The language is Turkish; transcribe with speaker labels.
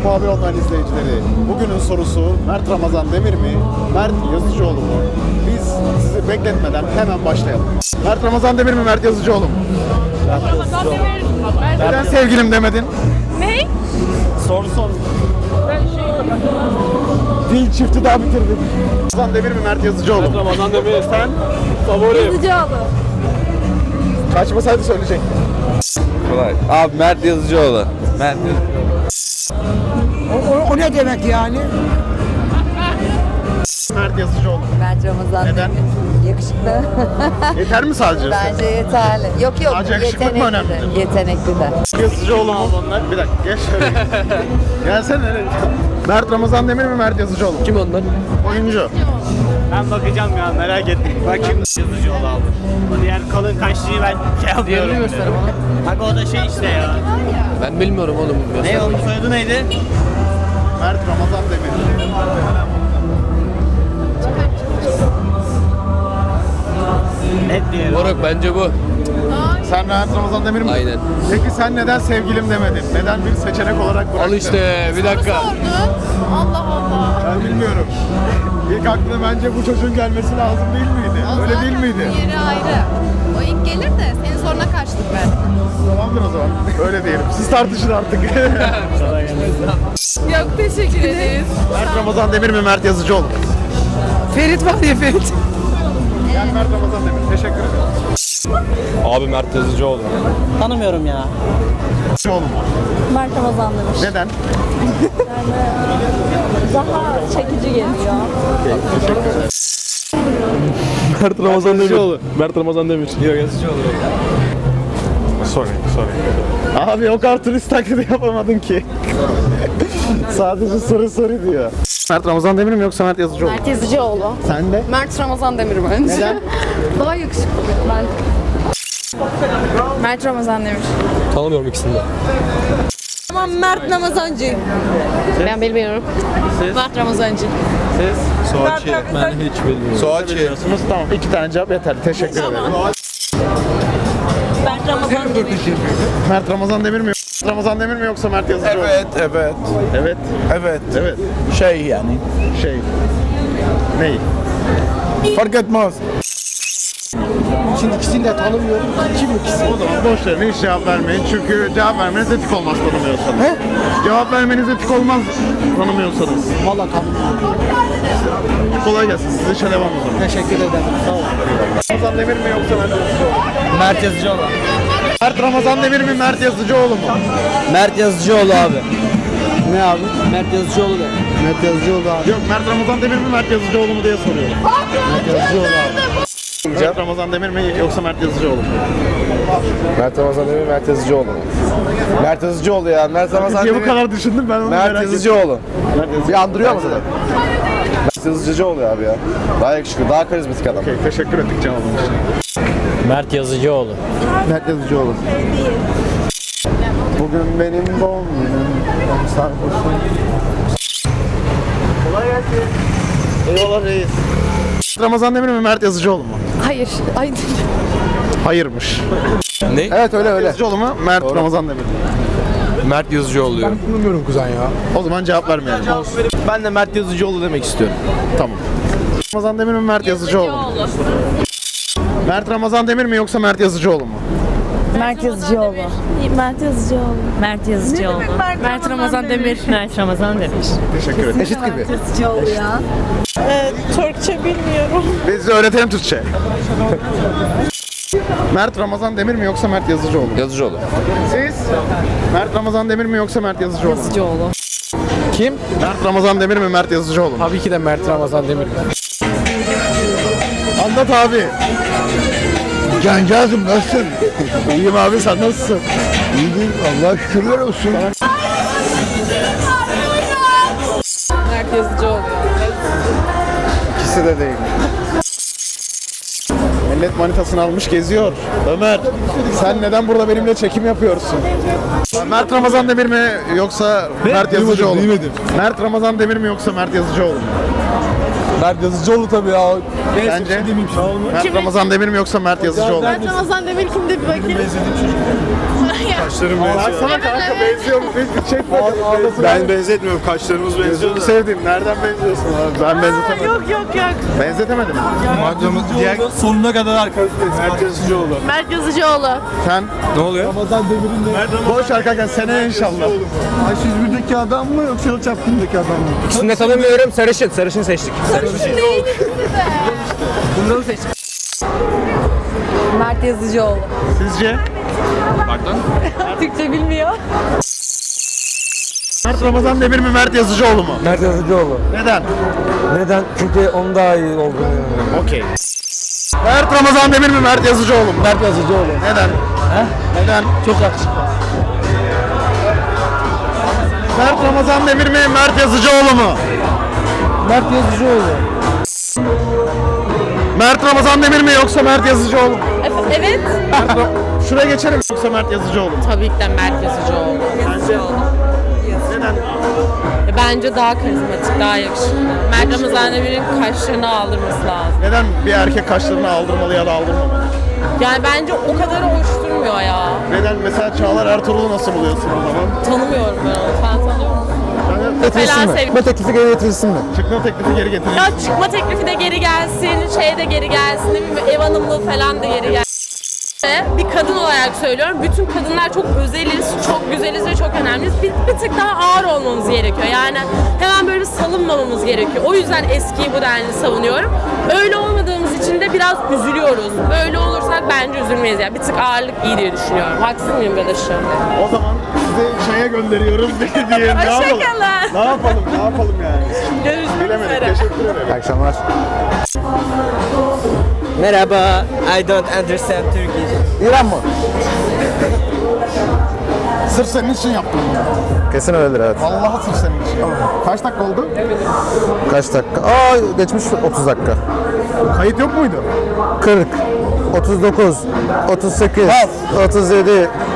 Speaker 1: Muhabir Online izleyicileri, bugünün sorusu Mert Ramazan Demir mi, Mert Yazıcıoğlu mu? Biz sizi bekletmeden hemen başlayalım. Mert Ramazan Demir mi, Mert Yazıcıoğlu mu?
Speaker 2: Ramazan Demir.
Speaker 1: Neden sevgilim demedin?
Speaker 2: Ne?
Speaker 3: Soru sor.
Speaker 1: Dil çifti daha bitirdik. Ramazan Demir mi, Mert Yazıcıoğlu mu?
Speaker 3: Ramazan Demir sen favorim.
Speaker 2: Yazıcıoğlu.
Speaker 1: Kaçmasaydı söyleyecektim.
Speaker 4: Kolay. Abi Mert Yazıcıoğlu. Mert
Speaker 5: O ne demek yani?
Speaker 1: Mert Yazıcıoğlu.
Speaker 6: Bence Ramazan
Speaker 1: Neden?
Speaker 6: Demir. Yakışıklı.
Speaker 1: Yeter mi sadece?
Speaker 6: Bence yeterli. Yok
Speaker 1: Sadece yakışıklık mı
Speaker 6: yetenekli
Speaker 1: önemli?
Speaker 6: de. Yetenekli de.
Speaker 1: Yazıcıoğlu mu? Bir dakika geç şöyle. Gelsene. Mert Ramazan Demir mi, Mert Yazıcıoğlu mu?
Speaker 3: Kim onlar?
Speaker 1: Oyuncu.
Speaker 3: Ben bakacağım ya, merak ettim. Bakayım Yazıcıoğlu aldı. O diğer kalın kaşlıyı ben şey yapıyorum.
Speaker 4: Diğerini göster bana.
Speaker 3: Bak o da şey işte ya.
Speaker 4: Ben bilmiyorum oğlum.
Speaker 3: Ne onun soyadı neydi?
Speaker 1: Mert Ramazan Demir.
Speaker 3: Net diyelim.
Speaker 4: Moruk bence bu.
Speaker 1: Sen Mert Ramazan Demir mi?
Speaker 4: Aynen.
Speaker 1: Peki sen neden sevgilim demedin? Neden bir seçenek olarak bıraktın?
Speaker 4: Al işte bir dakika.
Speaker 2: Allah Allah.
Speaker 1: Ben bilmiyorum. İlk aklına bence bu çocuğun gelmesi lazım değil miydi? Öyle değil miydi?
Speaker 2: Yeri ayrı. O ilk gelir de senin soruna kaçtık ben.
Speaker 1: Tamamdır o zaman. Öyle diyelim. Siz tartışın artık.
Speaker 2: Yok teşekkür ederiz.
Speaker 1: Mert Ramazan Demir mi, Mert Yazıcıoğlu mu?
Speaker 5: Ferit var ya Ferit.
Speaker 1: Ben Mert Ramazan Demir. Teşekkür ederim.
Speaker 4: Abi Mert Yazıcıoğlu.
Speaker 3: Tanımıyorum ya.
Speaker 1: Yazıcıoğlu mu?
Speaker 7: Mert Ramazan demiş.
Speaker 1: Neden?
Speaker 7: Daha çekici geliyor.
Speaker 4: Mert Ramazan Demir. Mert Ramazan Demir. Yok Yazıcıoğlu.
Speaker 1: Sorry. Abi o kadar turist taklidi yapamadın ki. Sadece soru diyor. Mert Ramazan Demir mi yoksa Mert Yazıcıoğlu mu?
Speaker 2: Mert Yazıcıoğlu.
Speaker 1: Sen de?
Speaker 2: Mert Ramazan Demir bence.
Speaker 1: Neden?
Speaker 2: Daha yakışıklı. Ben. Mert Ramazan Demir.
Speaker 4: Tanımıyorum ikisini de.
Speaker 2: Tamam Mert Ramazancı. Ben bilmiyorum. Mert Ramazancı.
Speaker 4: Ben hiç bilmiyorum.
Speaker 1: Soğaçı. Tamam, 2 tane cevap yeterli. Teşekkür ederim.
Speaker 7: Mert Ramazan demiş.
Speaker 1: Mert Ramazan Demir mi? Ramazan Demir mi yoksa Mert Yazıcıoğlu mu? Evet.
Speaker 8: Şey yani.
Speaker 1: Şey. Ney?
Speaker 8: Fark etmez.
Speaker 5: Şimdi ikisini de tanımıyorum. Kim ikisi?
Speaker 1: O zaman boş verin, hiç cevap vermeyin. Çünkü cevap vermeniz etik olmaz tanımıyorsanız.
Speaker 5: He?
Speaker 1: Cevap vermeniz etik olmaz tanımıyorsanız.
Speaker 5: Valla tanımıyorum.
Speaker 1: Kolay gelsin. Size işe devam o zaman.
Speaker 5: Teşekkür ederim. Sağ ol.
Speaker 1: Ramazan Demir mi yoksa Mert Yazıcıoğlu mu?
Speaker 4: Mert Yazıcıoğlu.
Speaker 1: Mert Ramazan Demir mi, Mert Yazıcıoğlu mu?
Speaker 4: Mert Yazıcıoğlu abi.
Speaker 5: Ne abi?
Speaker 4: Mert Yazıcıoğlu da.
Speaker 5: Mert Yazıcıoğlu abi.
Speaker 1: Yok, Mert Ramazan Demir mi, Mert Yazıcıoğlu mu diye soruyorum.
Speaker 5: Mert Yazıcıoğlu abi.
Speaker 1: Mert Ramazan Demir mi yoksa Mert Yazıcıoğlu mu?
Speaker 8: Mert Ramazan Demir, Mert Yazıcıoğlu. Mert Yazıcıoğlu ya. Mert Ramazan
Speaker 1: Niye bu
Speaker 8: Demir.
Speaker 1: kadar düşündüm ben onu
Speaker 8: Mert
Speaker 1: merak ettim.
Speaker 8: Yazıcıoğlu.
Speaker 1: Mert Yazıcıoğlu.
Speaker 8: Bir andırıyor mu zaten? Mert Yazıcıoğlu ya abi ya. Daha yakışıklı, daha karizmatik adam.
Speaker 1: Okey, teşekkür ettik cevabın için.
Speaker 4: Mert Yazıcıoğlu.
Speaker 1: Mert Yazıcıoğlu. Bugün benim doğum günüm. Sarhoşum. Kolay gelsin. Eyvallah reis. Ramazan Demir mi, Mert Yazıcıoğlu mu?
Speaker 2: Hayır. Ay.
Speaker 1: Hayırmış.
Speaker 4: Ne?
Speaker 8: Evet öyle öyle.
Speaker 1: Yazıcıoğlu mu, Mert Ramazan Demir mi?
Speaker 4: Mert Yazıcıoğlu diyor.
Speaker 5: Bilmiyorum kuzen ya.
Speaker 1: O zaman cevap vermeyelim.
Speaker 4: Ben de Mert Yazıcıoğlu demek istiyorum.
Speaker 1: Tamam. Ramazan Demir mi, Mert Yazıcıoğlu mu? Mert Ramazan Demir mi yoksa Mert Yazıcıoğlu mu?
Speaker 7: Mert Yazıcıoğlu. Mert Yazıcıoğlu. Mert Yazıcıoğlu.
Speaker 2: Mert Ramazan Demir.
Speaker 7: Mert Ramazan demiş.
Speaker 1: Teşekkür ederim.
Speaker 8: Eşit gibi.
Speaker 7: Yazıcıoğlu ya. Türkçe bilmiyorum.
Speaker 1: Biz de öğretelim Türkçe. Mert Ramazan Demir mi yoksa Mert Yazıcıoğlu mu?
Speaker 4: Yazıcıoğlu.
Speaker 1: Siz? Mert Ramazan Demir mi yoksa Mert Yazıcıoğlu mu?
Speaker 7: Yazıcıoğlu.
Speaker 5: Kim?
Speaker 1: Mert Ramazan Demir mi, Mert Yazıcıoğlu mu?
Speaker 5: Tabii ki de Mert Ramazan Demir.
Speaker 1: Anlat abi.
Speaker 8: Cancağızım nasılsın?
Speaker 1: İyiyim abi, sen nasılsın?
Speaker 8: İyiyim. Allah şükürler olsun.
Speaker 2: Mert Yazıcıoğlu.
Speaker 1: İkisi de değil. Millet manitasını almış geziyor. Ömer, sen neden burada benimle çekim yapıyorsun? Mert Ramazan Demir mi yoksa Mert Yazıcıoğlu mu? Mert Ramazan Demir mi yoksa Mert Yazıcıoğlu mu?
Speaker 4: Mert Yazıcıoğlu tabii ya.
Speaker 1: Bence Mert Ramazan Demir mi yoksa Mert Yazıcıoğlu mu?
Speaker 2: Mert Ramazan Demir kimde bir bakayım.
Speaker 4: Kaşlarım
Speaker 1: Sana kanka benziyor mu? Hiç çekme.
Speaker 4: Ben benzetmiyorum. Kaşlarımız benziyor.
Speaker 1: Gözünü sevdiğim. Nereden benziyorsun abi? Ben benzetemedim.
Speaker 7: Yok.
Speaker 1: Benzetemedim.
Speaker 4: Diğer sonuna kadar arkadaşlarız. Mert Yazıcıoğlu.
Speaker 7: Mert Yazıcıoğlu.
Speaker 1: Sen
Speaker 4: Ne oluyor?
Speaker 5: Ramazan Demir'in de.
Speaker 1: boş ver kanka seneye inşallah.
Speaker 5: H101'deki adam mı yoksa Yalı Çapkın'daki adam mı?
Speaker 8: İkisini de tanımıyorum. Sarışın. Sarışın seçtik. Bunları seçtik.
Speaker 6: Mert Yazıcıoğlu.
Speaker 1: Sizce?
Speaker 6: Türkçe bilmiyor.
Speaker 1: Mert Ramazan Demir mi Mert Yazıcıoğlu mu?
Speaker 8: Mert Yazıcıoğlu.
Speaker 1: Neden?
Speaker 8: Neden? Çünkü onun daha iyi olduğunu inanıyorum.
Speaker 1: Okey. Mert Ramazan Demir mi Mert Yazıcıoğlu mu?
Speaker 8: Mert Yazıcıoğlu.
Speaker 1: Neden? Neden?
Speaker 8: Çok yakışıklı.
Speaker 1: Mert Ramazan Demir mi Mert Yazıcıoğlu mu?
Speaker 8: Mert Yazıcıoğlu.
Speaker 1: Mert Ramazan Demir mi yoksa Mert Yazıcıoğlu mu?
Speaker 7: Evet.
Speaker 1: Şuraya geçelim yoksa Mert Yazıcıoğlu mu?
Speaker 7: Tabii ki de Mert Yazıcıoğlu.
Speaker 1: Neden?
Speaker 7: Bence daha karizmatik, daha yakışıklı. Mert Ramazan Demir'in kaşlarını aldırması lazım.
Speaker 1: Neden bir erkek kaşlarını aldırmalı ya da aldırmamalı?
Speaker 7: Yani bence o kadar hoş durmuyor ya.
Speaker 1: Neden? Mesela Çağlar Ertuğrul'u nasıl buluyorsun o zaman?
Speaker 7: Tanımıyorum ben onu. Sen tanıyor musun? Falan sev-
Speaker 8: Bu teklifi geri getirilsin mi?
Speaker 1: Çıkma teklifi geri getirin.
Speaker 7: Ya çıkma teklifi de geri gelsin, şey de geri gelsin, ne bileyim, ev hanımlığı falan da geri gelsin. Bir kadın olarak söylüyorum, bütün kadınlar çok özeliz, çok güzeliz ve çok önemliyiz. Bir tık daha ağır olmamız gerekiyor. Yani hemen böyle salınmamamız gerekiyor. O yüzden eskiyi bu denli savunuyorum. Öyle olmadığımız için de biraz üzülüyoruz. Böyle olursak bence üzülmeyiz. Yani bir tık ağırlık iyi diye düşünüyorum. Haksız mıyım Bedaş'ım?
Speaker 1: O zaman sizi çaya gönderiyoruz diye ne yapalım?
Speaker 7: Hoşçakalın.
Speaker 1: Ne yapalım? Ne yapalım yani?
Speaker 7: Görüşmek
Speaker 1: Bilemedik.
Speaker 7: üzere.
Speaker 1: Teşekkür ederim.
Speaker 8: İyi akşamlar.
Speaker 9: Merhaba, I don't understand Turkish.
Speaker 8: İran mı?
Speaker 1: Sırf senin için yaptım bunu.
Speaker 8: Kesin öyledir evet.
Speaker 1: Vallahi sırf senin için. Kaç dakika oldu?
Speaker 8: Kaç dakika? Aa geçmiş 30 dakika.
Speaker 1: Kayıt yok muydu?
Speaker 8: 40, 39, 38, 37,